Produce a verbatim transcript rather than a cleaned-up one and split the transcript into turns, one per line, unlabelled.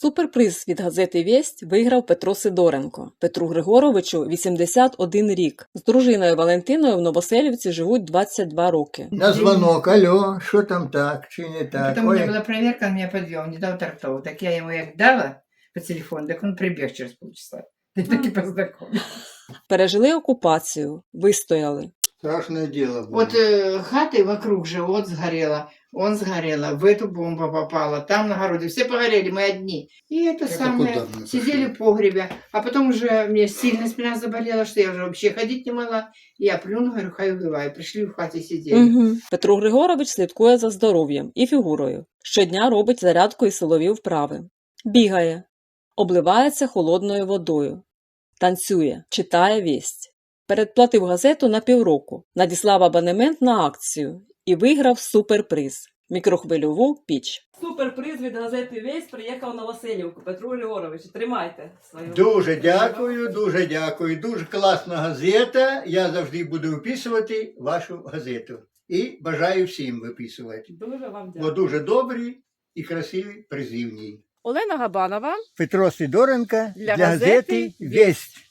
Суперприз від газети «Вєсть» виграв Петро Сидоренко. Петру Григоровичу вісімдесят один рік. З дружиною Валентиною в Новоселівці живуть двадцять два роки.
На звонок, алло, що там так, чи не так?
Потом у меня
Ой,
была проверка, он меня подвел, не дал тортов. Так я ему як дала по телефону, так он прибег через полчаса. И так и познакомились.
Пережили окупацію, вистояли.
страшне діло було.
Вот э, хаты вокруг же, вот сгорела, он сгорела, в эту бомба попала, там на городе, все погорели, мы одни. И это,
Это
самое,
куда мы
сидели
пошли?
в погребе, а потом уже мне сильно спина заболела, что я уже вообще ходить не могла. Я плюну, говорю, хай убиваю. Пришли в хаті сидели.
Угу. Петро Григорович слідкує за здоров'ям і фігурою. Щодня робить зарядку і силові вправи. Бігає. Обливається холодною водою. Танцює. Читає «Вєсть». Передплатив газету на півроку. Надіслав абонемент на акцію. І виграв суперприз – мікрохвильову піч. Суперприз від газети «Вєсть» приїхав на Василівку. Петру Григоровичу, тримайте свою.
Дуже дякую, дуже дякую. Дуже класна газета. Я завжди буду виписувати вашу газету. І бажаю всім виписувати.
Дуже вам
Бо дуже добрі і красиві призи в ній.
Олена Габанова.
Петро Сидоренко
Для
для
газети
газети «Вєсть».